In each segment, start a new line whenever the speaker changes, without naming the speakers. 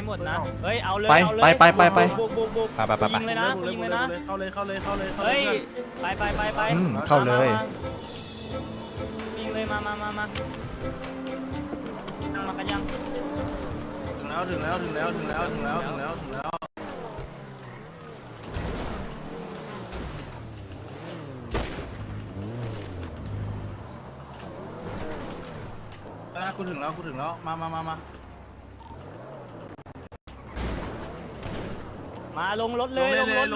หมดนะเฮ้ยเอาเลย
ไป
เอาเลย
ไปไปไป
บุกยิงเลยนะยิงเลยนะ
เข้าเลย
เฮ้ยไป
เข้าเลย
ยิงเลยมากันยัง
ถึงแล้วกูถึงแล้ว
มาลงรถเลยลงรถ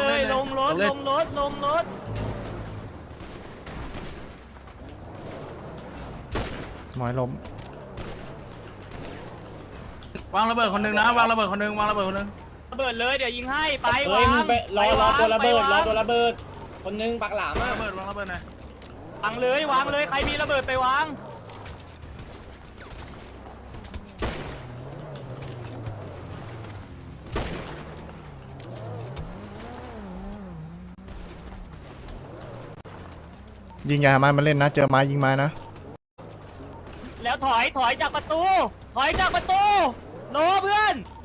หมอยล้ม
วางระเบิดคนนึงนะวางระเบิดคนนึง
ระเบิดเลยเดี๋ยวยิงให้ไป
เฮ้
วาย ง
รอตัวระเบิดคนนึงปักหลามอ่ะ
วางระเบิดหน่อยว
างเลยใครมีระเบิดไปวาง
ยิงยาไม้มันเล่นนะเจอไม้ยิงไม้นะ
แล้วถอยจากประตูโนเพื่อน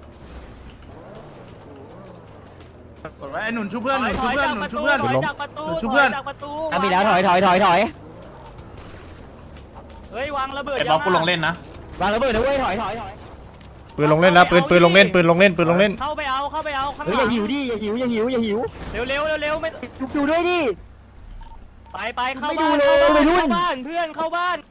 กดไว้ไอ้หนุนชุบเพื่อน
ถอยจากประตู
มีแล้วถอย
เฮ้ยวางระเบิด
ไอ้บล็อกกูลงเล่นนะ
วางระเบิดนะเว้ยถอย
ปืนลงเล่นแล้วปืนลงเล่น
เข้าไปเอาข้างห
เฮ้ย
ลั
อย่าง หิวดิอย่าหิวเ
เร็วไม่
ดูด้วยดิ
ไปเข้า
ไม่ดู
บ้าน
เลยวัยรุ่น
เข้าบ้านเพื่อนเข้าบ้าน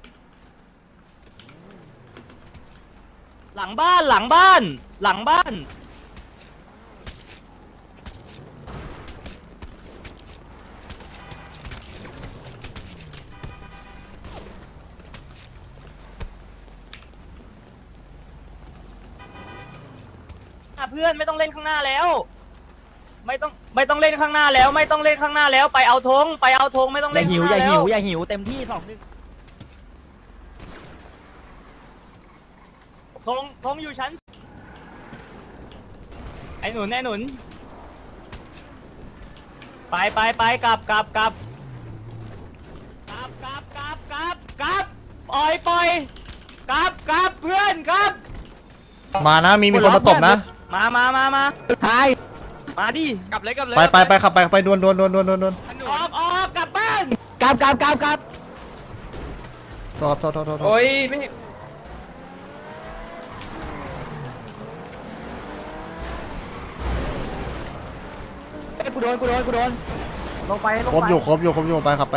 หลังบ้านเพื่อนไม่ต้องเล่นข้างหน้าแล้วไม่ต้องเล่นข้างหน้าแล้วไปเอาธงไม่ต้อง
อ
เล่น
ย่า
ข้างหน้าแล้ว
อย่าหิวเต็มที่2-1
ธงอยู่ชั้นไอ้หนุนไปกลับปล่อยกลับเพื่อนครับ
มานะมีคนมาตบนะ
มา
หาย
มาดิ
ไปขับไปดวน
ออกกลับบ้าน
กลับ
โทษ
โอ้ยไม่
กูโดนลงไป
ครบอยู่ไปขับไป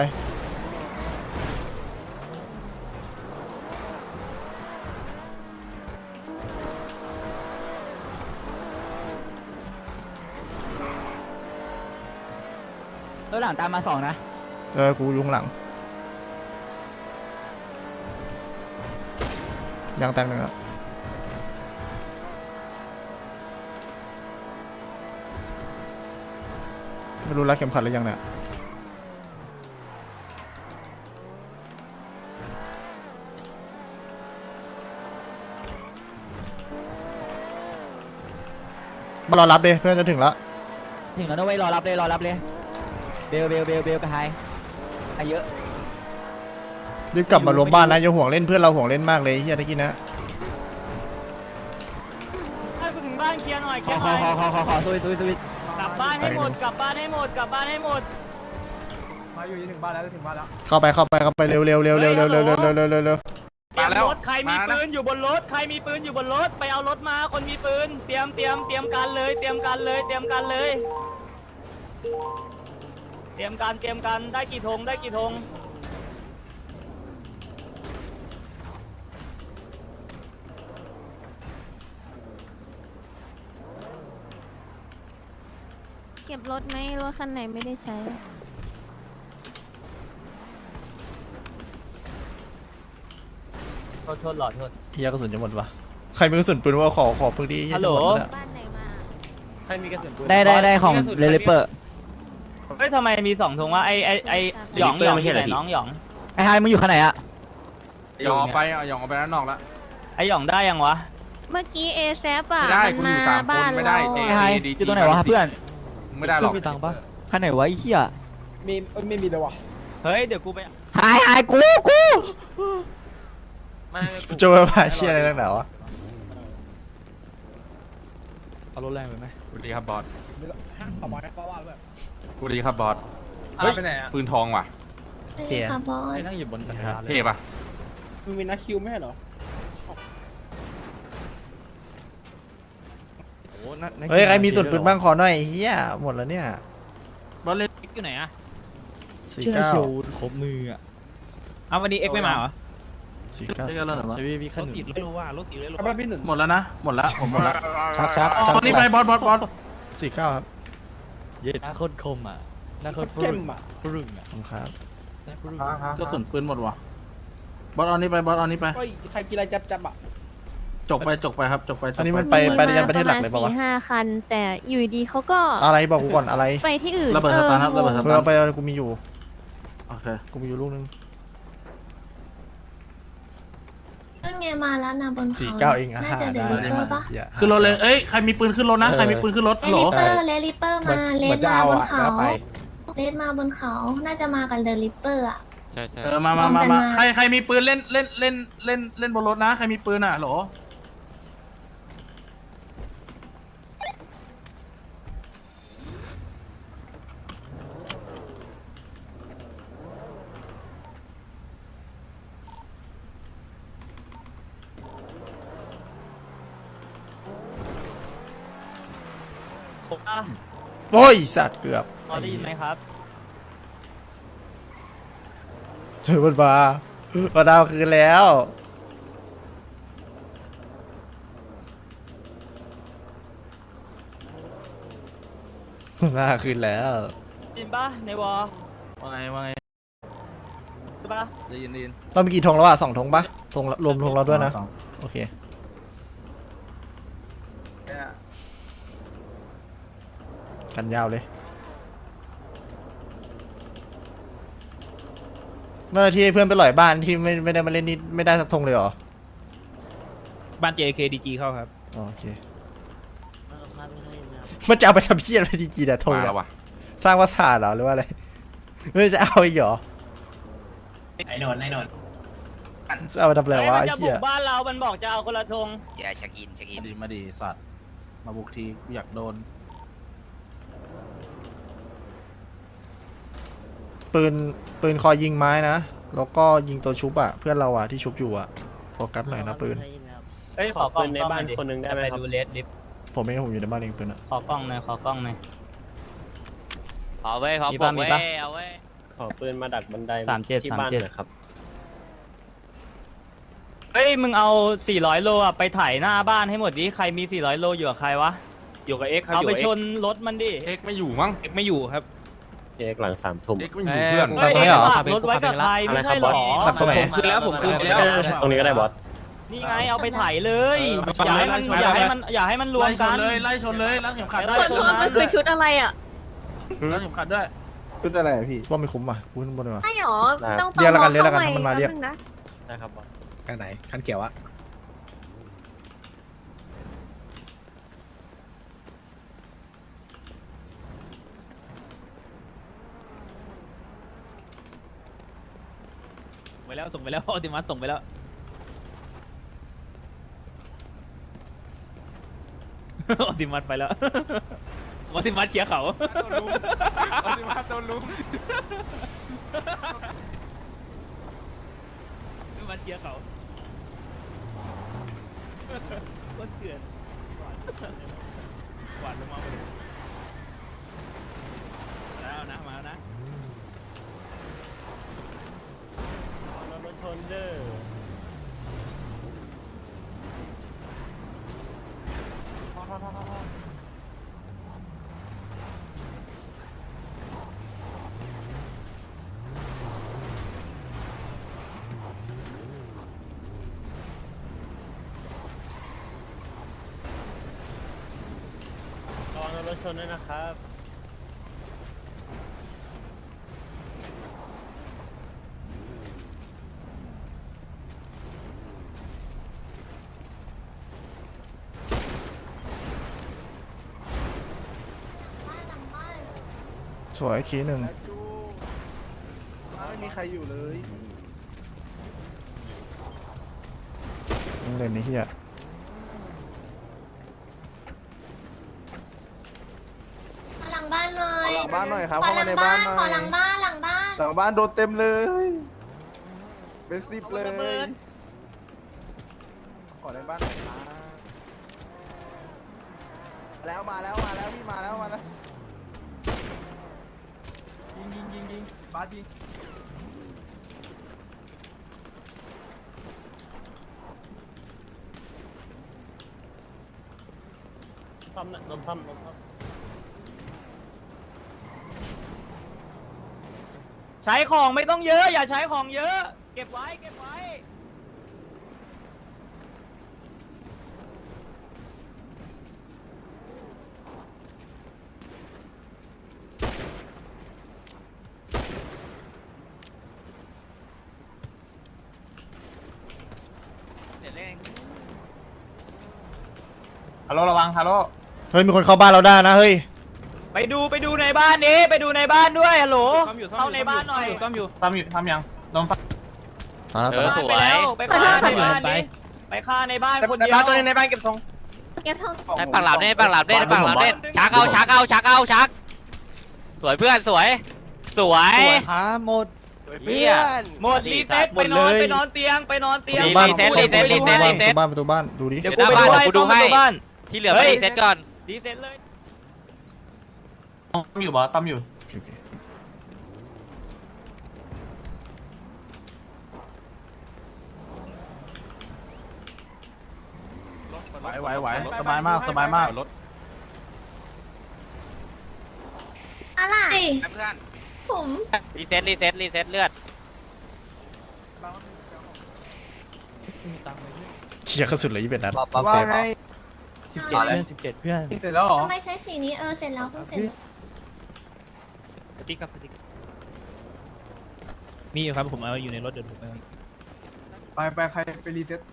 แล้วหลังตามมา2นะ
กูยุงหลังยางแตกหนึ่งแล้วไม่รู้รัดเข็มขัดหรือยังเนี่ยมารอรับดิเพื่อนจะถึงแล้ว
นะเว้ยรอรับเลยเบลกับไฮเยอะ
รีบกลับมารวมบ้านนะอย่าห่วงเล่นเพื่อนเราห่วงเล่นมากเลยเฮียตะกี้นะ
ให้กูถึงบ้านเคลียร์หน่อย
ขอซุย
กลับบ้านให้หมด
มาอยู่ถึงบ้านแล้ว
เข้าไปเร็ว
เตรียมรถใครมีปืนอยู่บนรถไปเอารถมาคนมีปืนเตรียมการเลยได้กี่ธง
เก็บรถไหมรถคันไหนไม่ได้ใช้
โทษหลอดโทษ
เฮียกระสุนจะหมดวะใครมีกระสุนปืนว่าขอปืนดี
ฮัลโหล
บ้านไหนมา
ใครมีกระสุนปืน
ได้ของเลเปอร์
เฮ้ยทำไมมี2ธงวะไอหยองไม่ใช่เหรอน้องหยอง
ไอ้ไฮมึงอยู่ข้างไหนอะ
หยองออกไปด้านนอกแล้ว
ไอหยองได้ยังวะ
เมื่อกี้เอแซปอ่ะ
ไม่ได้
มัน
คุณอยู่
มา
สามคน
บ้าน
ไม่ได้
เรา
เจ๊
ไอ้ไฮอยู่ตรงไหนวะเพื่อน
ไม่ได้หรอก
มีตังค์ปะ
ข้างไหนวะไอ้เหี้ย
ไม่มีเลยวะ
เฮ้ยเดี๋ยวกูไป
ไฮกู
เจอมาเชี่ยอะไรนักหนาวะ
เอารถแรงไปไหม
สวัสดีครับบอส
ขอบอยป้าว่าแบบ
สวัสดีครับบอสเฮ้ยปืนทองว่ะ
ไม่ได้ค่ะบอส
ไอ้นั่งอยู่บนจักรยานเลย
เท่ปะ
มันมีนักคิวไม่ใช่เหรอ
โอ้นั่ง
เฮ้ยใครมีส่วนปืนบ้างขอหน่อยเฮียหมดแล้วเนี่ย
บอลเล่นอยู่ไหนอะ
สี่
เชื่อ
เก้า
เชียวครบมืออ่ะ
เอาวันนี้เอ็กไม่มาเหรอ
สี่เก้า
ใช่พี่
ร
ขั้น
ถ
ห
สี
นึ่ง
ไม่รู้ว่ารถสีเลยรู้
ป้าพี่หนึ่ง
หมดแล้วนะหมดแล้วผมหมดแล้ว
ชัก
อ๋อนี่ไปบอสบอสบอส
สี่เก้าครับ
เย็นหน้าโคตรคมอ่ะหน้าโคตรฟ
เข้
รุ่
ม
ง
อ่ะ
ฟรุ่งอ่ะ
ขอบคุณครับ
หน้าฟรุ่ง
กระสุนปืนหมดว่ะบอสเอานี่ไปบอสเอานี่ไป
เฮ้ยใครกินอะไรจับอ่ะ
จกไปครับจกไป
อันนี้มันไปยันประเทศหลักเลย
ป
เปล่า
ระ
วะ
มาณ4-5 คัน แต่อยู่ดีเขาก็
อะไรบอกกูก่อนอะไร
ไปที่อื่น
ระเบิดสตาร์ทครับระเบิดส
เพื่
ตา
อ
ร์ท
ไปกูมีอยู่
โอเค
กูมีอยู่ลูกนึง
นั่นไงมาแล้วนะบน
สี่
เขา
เก้าเองอ่ะ
น่าจะเดลิเปอร์ปะ
เหี้ย
ขึ้นรถเลยเอ้ยใครมีปืนขึ้นรถนะใครมีปืนขึ้นรถ
เล
ฮัลโหล
ลิเปอร์เลลิเปอร์มาเล
เหมือน
ด
จะ
มา
เอา
บน
อ่ะ
เขา
แล้วไป
เลดมาบนเขา น่าจะมากับเดลิเปอร์อ่ะ
ใช่ใช่
มา
พร้อมกันมา
ใครมีปืนเล่นบนรถนะใครมีปืนอ่ะฮัลโหล
โอ้ยสัตว์เกือบ
พอได้ยินไหมครับ
เจอมันมาดาวคืนแล้วหน้าคืนแล้ว
ได้ยินปะในวอล
ว่าไง
ใช่ปะ
ได้ยิน
ต้องมีกี่ธงแล้วอ่ะ2 ธงปะธงรวมธงเราด้วยนะ
สอง
โอเค กันยาวเลย เมื่อที่เพื่อนไปหล่อยบ้านที่ไม่ได้มาเล่นนี่ไม่ได้สักธงเลยเหรอ
บ้าน JK DG เข้าครับ
อ๋อโอเคมันจะเอาไปทำเพี้ยอะไรดีๆเนี่ยธง
มา
เนี่
แล้
ยว
ว่ะ
สร้างวัสดุเหรอหรือว่าอะไรไม่จะเอาอีกเหรอ
ไอ้นนท์
จะเอาไปทำอะไร
เฮ้ยว
ะ
มัน
ไอ้
จะบุ
เหี้ย
กบ้านเรา มันบอกจะเอาคนละธง
อย่าเช็คอิน
มาดีสัตว์มาบุกทีกูอยากโดน
ปืนคอยยิงไม้นะแล้วก็ยิงตัวชุบอ่ะเพื่อนเราอ่ะที่ชุบอยู่อ่ะโฟกัสหน่อยนะปืน
เฮ้ยขอกล้องในบ้านคนนึงได้ไหมครับดูเลสดิฟ
ผมไม่ให้ผมอยู่ในบ้านเองปืนอ่ะ
ขอกล้องหน่อยขอกล้องหน่อย
เอาเว้ยเขา
มี
บ
ปะ
อก
มี
เว้
ปะ
ยเอาเว้ย
ขอปืนมาดักบันได
37
ที่บ้านหน่อยครับ
เฮ้ย มึงเอา 400 โลอ่ะ ไปถ่ายหน้าบ้านให้หมดดิ ใครมี 400 โลอยู่กับใครวะ
อยู่กับเอ็กครับ
เอาไป
ยู่กับ
ช
X
นรถมันดิ
เอ็กไม่อยู่มั้ง
เอ็กไม่อยู่ครับ
เอกหลัง3 ทุ่ม
เอ็กไม่อยู่เพื่อน
ตรงนี้เหรอ
ฝากรถไว้กับใครไม่ใช่หรอ
ตัดตรงไหน
คืนแล้วผมคืนแล้ว
ตรงนี้ก็ได้บอส
นี่ไงเอาไปถ่ายเลย
เออ
อย่าให้มัน
ไป
อย่าให้มันอย่าให้มันรวมกัน
ไล่ชนเลยรัดเข็มขัดได้
ไล่ชนนะ
มันคือชุดอะไรอ่ะ
รัดเข็มขัดด้วย
ชุดอะไรพี่
ว่าไม่คุ้มอ่ะพูดบนเลยว่ะ
ไม่หรอ ต้อง
เรียกแล้วกันเรียก
เข้า
แล้วกัน
ให
ให้มันมาเรียก
แป๊บนึงนะ
ได้ครับบอสคันไหนคันเขียวอะ
ไปแล้วส่งไปแล้วออติมัสส่งไปแล้ว ออติมัสไปแล้ว ออติมัสเคลียร์เขา
โดนลุม
ออติมัสเคลียร์เขาก็เถื่อนกวาดลงมาเลยแล้วนะมาแล้วนะ
รถชนเด้อ ระวังรถชนด้วยนะครับ
บ้านหลังบ้าน
สวยคีหนึ่ง
ไม่มีใครอยู่เลย
เล่นในเฮีย
งบ้านหน่อย
หลังบ้านหน่อยครับ
ขอ
เข้า
ห
มา
ลัง
ใน
บ้า
บ้าน
น
หน่อย
ขอหลังบ้านหลังบ้าน
หลังบ้านโดนเต็มเลยเป็น10เลยขอในบ้านหน่อยครับแล้วมาแล้วพี่มาแล้วยิงบาสยิง
ซ่อมนะลมซ่อม
ใช้ของไม่ต้องเยอะ อย่าใช้ของเยอะ เก็บไว้เก็บไว้เดี๋ยวเล่น
ฮัลโหลระวังฮัลโหล
เฮ้ยมีคนเข้าบ้านเราได้นะเฮ้ย
ไปดูในบ้านนี้ไปดูในบ้านด้วยฮัลโหลเข้าในบ้านหน่อย
ซ่อมอยู่
ทำยังลม
ตายแล้ว
เอ
ตาย
อ
แล้ว
สวย
ไปฆ่าในบ้านนี้ไปฆ่าในบ้านคนเดียว
ตัวนึงในบ้านเก็บทง
เก็บทอง
ให้ปักหลับเน่ปักหลับเน่ปักหลับเน่ชักเอาสวยเพื่อนสวย
ครับหมด
เฮีย
หมดรีเซ็ตไปนอนเตียงไปนอนเตียง
บ้าน
รีเซ็ต
ประตูบ้านดูดิ
เดี๋ยวกูไปดูให้
กูดูให้
ซ่อมประตูบ้าน
ที่เหลือไปรีเซ็ตก่อน
รีเซ็ตเลย
ซ่อมอยู่บอสซ่อมอยู่
โอเค
ไหวสบายมาก
อะไรผม
รีเซ็ตเลือด
เชียร์กระสุนเลย21นัด
ปั๊บ
เซฟ
17เพื่อน
เสร็จแล้วเหรอ
ทำไมใช้สีนี้เสร็จแล้วเพิ่งเสร็จ
สติ๊กครับสติ๊กมีอยู่ครับผมเอาอยู่ในรถเดินผมไป
ไปใครไปรีเซ็ต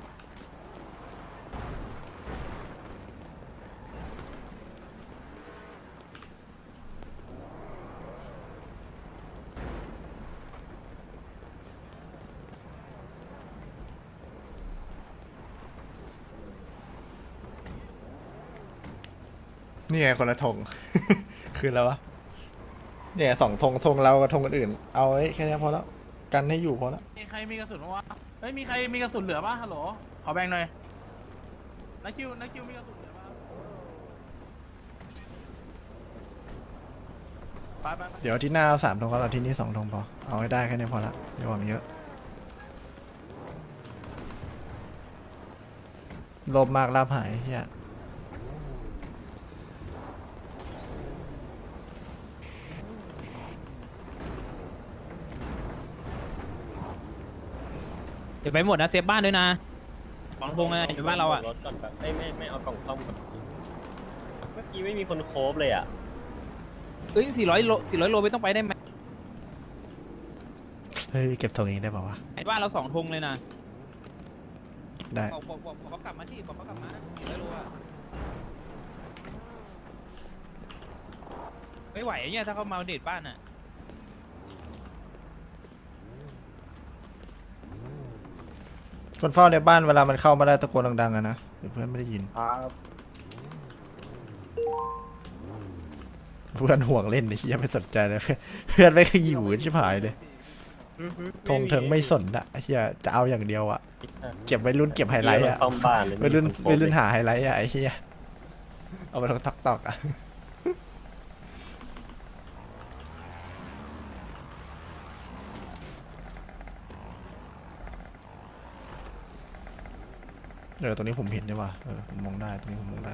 นี่ไงคนละธง คืนแล้ววะเนี่ย2 ธงเรากับธงอื่นเอาไว้แค่นี้พอแล้วกันให้อยู่พอแล้ว
มีใครมีกระสุนวะเฮ้ยมีใครมีกระสุนเหลือป่ะฮัลโหลขอแบ่งหน่อยนักคิวมีกระสุนเหลือป่ะไป
เดี๋ยวที่หน้าเอา3 ธงก็เอาที่นี่2 ธงพอเอาให้ได้แค่นี้พอละอย่าหวังเยอะโลภมากลาภหายเฮีย
เดี๋ยวไปหมดนะเซฟบ้านด้วยนะหวังพงนะอยู่บ้านเราอ่ะ
รถก่อนแบบไม่เอากล่องซ่อมก่อนเมื่อกี้ไม่มีคนโคฟเลยอ่ะ
เอ้ย400 โลไม่ต้องไปได้ไหม
เฮ้ยเก็บธงเองได้ป่าวะ
ไอ้บ้านเรา2 ธงเลยนะ
ได้
บอกเขากลับมาที่บอกเขากลับมานะ400 โลอ่ะไม่ไหวเนี่ยถ้าเขามาเดทบ้านอ่ะ
คนเฝ้าในบ้านเวลามันเข้ามาได้ตะโกนดังๆอะนะเดี๋ยวเพื่อนไม่ได้ยิน เพื่อนห่วงเล่นไอ้เหี้ยไม่สนใจเลย เพื่อนไม่เคยอยู่ชิบหายเลยธงเถิงไม่สนอะไอ้เหี้ยจะเอาอย่างเดียวอะเก็บไว้รุ่นเก็บไฮไลท์อะ
ซ่อมบ้านเลย
ไว้รุ่นหาไฮไลท์อะไอ้เหี้ยเอาไปลงตอกอะตรงนี้ผมเห็นใช่ป่ะผมมองได้ตรงนี้ผมมองได้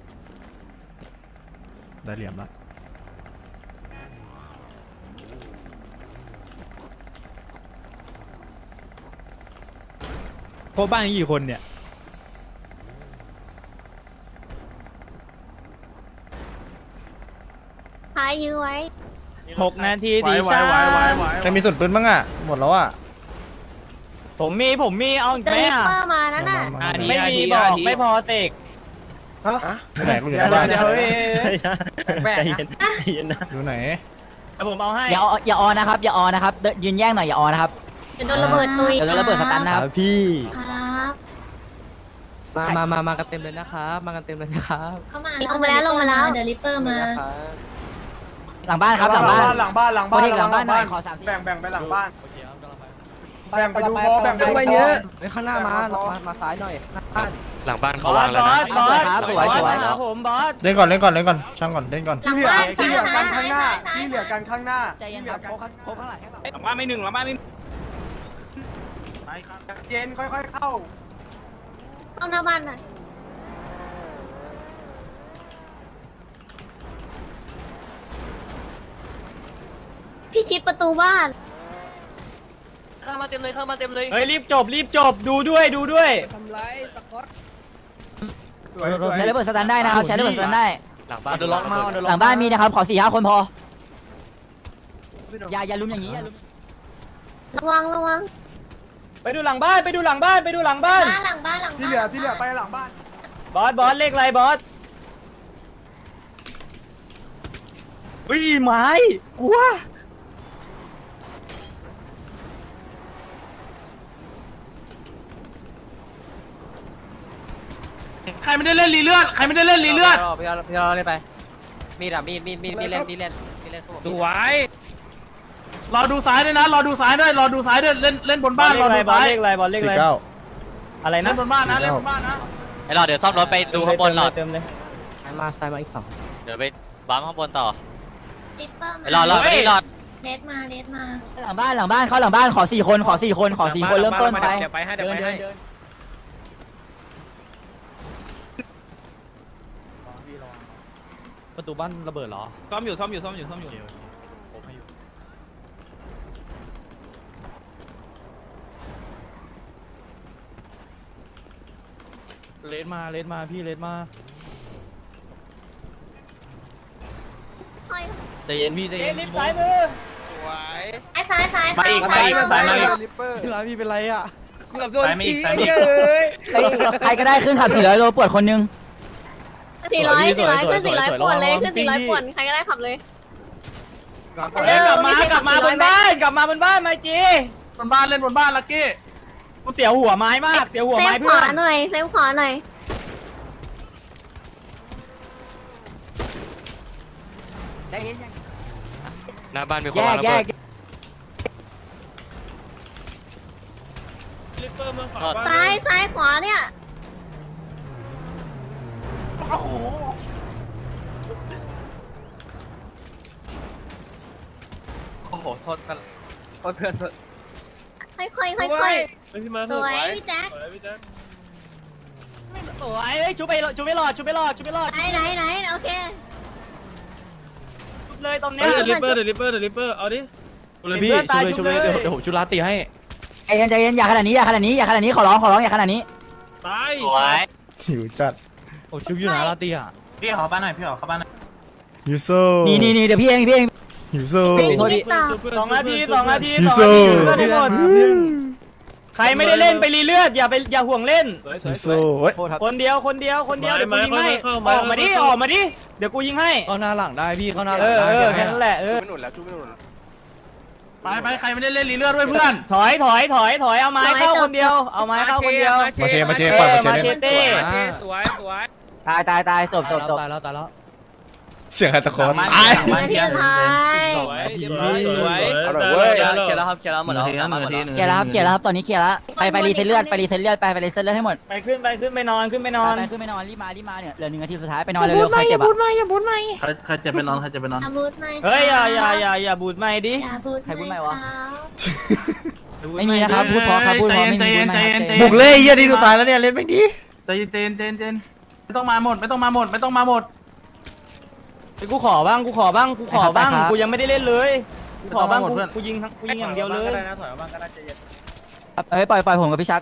เหลี่ยมละ
โคบ้านกี่คนเนี่ย
หายยื้อไว้
6 นาทีดีชา
ใครมีส่วนปืนบ้างอะหมดแล้วอะ
ผมมีเอาอีก
เด
ไหม
ลิ
อ่ะ
เปอร์มานั่นน่ะ
มา
ไม่มีบอกไม่พอเตก
ที่ไหนกูอยู่ในบ้าน
เดี๋ยว
ใจเย็นนะ
อยู่ไหน
ผมเอาให้
อย่าออนนะครับอย่าออนนะครับยืนแย่งหน่อยอย่าออนนะครับ
เดี๋ยวโดนระเบิดตุย
เดี๋ยวโดนระเบิดสตันนะครับ
ครับ
มากันเต็มเลยนะครับมากันเต็มเลยนะครับ
เข้ามา
ลงมาแล้ว
เดลิเปอร์มา
หลังบ้านครับหลังบ้าน
หลังบ้านหลัง
โปร
บ้าน
เทคหลังบ้านหน่อยขอ3ที
แบ่งไปหลังบ้านแบ่งไปดูพอแบ่งไปดู
เยอะ
ข้างหน้ามาซ้ายหน่อย
หลังบ้าน
บ
เขา
อ
วา
ส
งแล้ว
บอ
นะ
สบอส
ครับ
บ
ส
อ
วย
ส
สวย
มาหาผมบอส
เล่นก่อนเล่นก่อนเล่นก่อนช่างก่อนเล่นก่อน
หลังบ้าน
ที่เหลือกันข้างหน้า
ซ้ย
ที่เหลือกันข้างหน้า
ใจเย็นครับโค้งข้างหลังแค่หลัง
หลังบ้านไม่หนึ่งหลังบ้านไม่
เย็นค่อยๆเข้า
ต้องหน้าบ้านหน่อยพี่ชิดประตูบ้าน
เข้ามาเต็มเลยเข้ามาเต็มเลย
เฮ้ยรีบจบดูด้วยดูด้วย
ใช้ระเบิดสแตนได้นะครับใช้ระเบิดสแตนได้
หลังบ้าน
หลังบ้านมีนะครับขอ4-5 คนพออย่าลุมอย่างนี้อย่าลุม
ระวัง
ไปดูหลังบ้านไปดูหลังบ้านไปดูหลังบ้าน
หลังบ้าน
ที่เหลือไปหลังบ้าน
บอสเลขอะไรบอสอุ้ยไม้กลัว
ใครไม่ได้เล่นรีเลือดใครไม่ได้เล่นรีเลือด
พี่เราเล่นไปมีดอ่ะมีเล่น
สวย
รอดูซ้ายด้วยนะรอดูซ้ายด้วยเล่นบนบ้านรอดูซ้าย
เลขอะไรบอสเลขอะไร
49
อะไร
เล่
นะ
นบนบ้านนะเล่นบนบ้านนะ
ไอ้หลอดเดี๋ยวซ่อมรถไปดูข้างบนหลอด
เติมเลย
เดี๋ยวไปบ้ามข้างบนต่อ
ลิปเปอร์
ไอ้หลอดไปนี่หลอด
เลดมา
หลังบ้านเข้าหลังบ้านขอ4 คนขอ4 คนเริ่มต้นไป
เดี๋ยวไปให้เดี๋ยวไปให้
ประตูบ้านระเบิดเหรอ
ซ่อมอยู่
เลนมาพี่เลนมา ใจเย็นพี่ใจเย็นลิฟต์ซ้ายมือ
ไอ้ซ้าย
มาอีก
ลิปเปอร์
พี่ร้ายพี่เป็นไรอ่ะ
ซ้ายมีอีกซ้ายมีอีก
ใครก็ได้ขึ้นขับ400 โลปวดคนนึง
400ขึ้น400ป่วนเลยขึ้น400ป่วนใครก็ได้ขับเลย
เล่นกลับมาบนบ้านไมจี
บนบ้านเล่นบนบ้านลักกี้
กูเสียวหัวไม้มากเสียวหัว
เซ
ไม้
ฟข
เพื่อ
วาน หน่อยเซฟขวาหน่อย
หน้าบ้านมีคน
แยว
าง
ก
ระ
แย
เบิ
ก
ด
ซ้ายขวาเนี่ย
โอ้โหโทษกันเพื่อน
ค่อยๆสวยพี่แจ๊ค
สวยเฮ้ยชูไปหลอดไหนโอเคเลยตรงเนี้ย
ลิปเปอร์เอาดิ
เลยพี่ชูเลยเดี๋ยวผมชูลาตีให้
ใจเย็นอย่าขนาดนี้ขอร้องอย่าขนาดนี้
ตาย
สวย
หิวจัด
ผมชูอยู่นะลาตีอ่ะ
พี่ขอบ้านหน่อยพี่ขอเข้าบ้านหน่อย
ยูโซ
นี่เดี๋ยวพี่เอง
หิวโซ
โทษดิ
2 นาที
ฮิโซ
ใครไม่ได้เล่นไปรีเลือดอย่าห่วงเล่น
ฮิโซเฮ้ย
คนเดียวเดี๋ยวกูยิงให้ออกมาดิเดี๋ยวกูยิงให้
เข้าหน้าหลังได้พี่เข้าหน้าหลั
เอง
ได้
อแค่นั้นแหละ
ไปใครไม่ได้เล่นรีเลือดด้วยเพื่อน
ถอยเอาไม้เข้าคนเดียว
มาเชปล่อยมาเช
มาเช
เล่น
เต้
สวย
ตายจบ
ตายแล้ว
เสียงใครตะโกน
มา
ตาย
นาทีสุดท้าย
สวยเรียบร้อยสวย
เคลียร์แล้วหมดแล้ว
เคลียร์แล้วครับตอนนี้เคลียร์แล้วไปรีเซ็ตเลือดไปรีเซ็ตเลือดให้หมด
ไปขึ้นไปนอน
ขึ้นไปนอนรีบมาเนี่ยเหลือ1 นาทีสุดท้ายไปนอนเร็วๆใครเจ็บอ่ะ
ใครจะไปนอน
อย่าบูดไม่
เฮ้ยอย่าบูดไม่ดิ
อย่าบูด
ใครพูดไม่วะ
เขา
ไม่มีนะครับพูดพอครับพูดพอไม่มีพูดไม่
บุกเล่เยี่ยดีสุดท้ายแล้วเนี่ยเล่นไม่ดี
ใจเย็นไม่ต้องมาหมด
กูขอบ้างกูยังไม่ได้เล่นเลยกูขอบ้างกูยิงอย่างเดียวเลย
ปล่อยผมกับพี่ชัก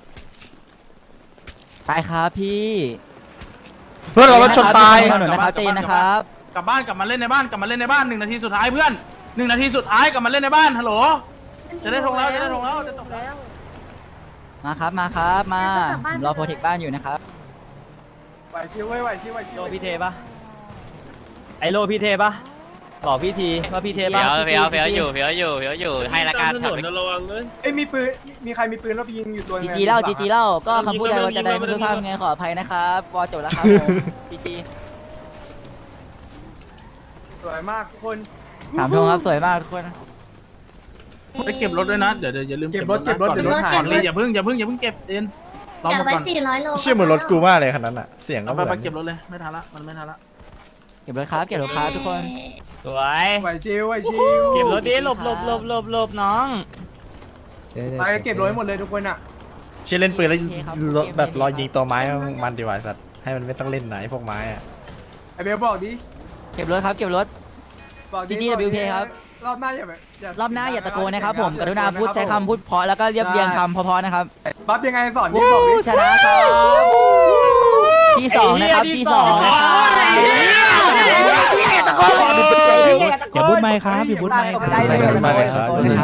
ตายครับพี่
เพื่อนเรารถชนตาย
ถนนนะครับใจเย็นนะครับ
กลับบ้านกลับมาเล่นในบ้าน1 นาทีสุดท้ายเพื่อน1 นาทีสุดท้ายกลับมาเล่นในบ้านฮัลโหลจะได้ทงแล้วจะจบแล้ว
มาครับรอโปรเทคบ้านอยู่นะครับ
ไหวชิว
โลพี่เทปะไอโลพี่เทปะบอกพี่ทีว่าพี่เทปะ
เฟี้ยวอยู่ให้ละกัน
ถนนระวังเลย
เอ้ยมีใครมีปืนแล้วไปยิงอยู่ตัว
จีจีเล่าก็คำพูดใดว่าจะใดไม่สุภาพไงขออภัยนะครับวอจบแล้วครับผมจีจี
สวยมากทุกคน
ถามทงครับสวยมากทุกคน
ไปเก็บรถด้วยนะเดี๋ยวอย่าลืมเก็บรถเดี๋ยวรถหายเลยอย่าเพิ่งเก็บเอ็นรอ
อยาก
หมด
ไป
ก่อน
400 โล
เชื่อเหมือนรถกูมากเลยคันนั้นอะเสียงก็
เอา
เหมือน
ไปเก็บรถเลยไม่ทันละมันไม่ทันละ
เก็บรถครับเก็บรถครับทุกคน
สวย
ไหวชิว
เก็บรถดิหลบน้อง
ไปเก็บรถหมดเลยทุกคนอ่ะ
เชื่อเล่นปืนแล้วรถแบบรอยิงตัวไม้มันดีกว่าสัตว์ให้มันไม่ต้องเล่นไหนพวกไม้อะ
ไอเบลบอกดิ
เก็บรถครับเก็บรถ GGWP ครับ
รอบหน้าอย่าร
อบหน้าอย่าตะโกนนะครับผมกรุณาพูดใช้คำพูดเพราะแล้วก็เรียบเรียงคำเพราะๆนะครับ
บัฟยังไงสอนดิบอกดิ
ชนะครับที่สองนะครับที่สองนะครับ
อย่าบูทไมค์ครับอย่าบูทไมค์ครับ
ไม่ได้ครับ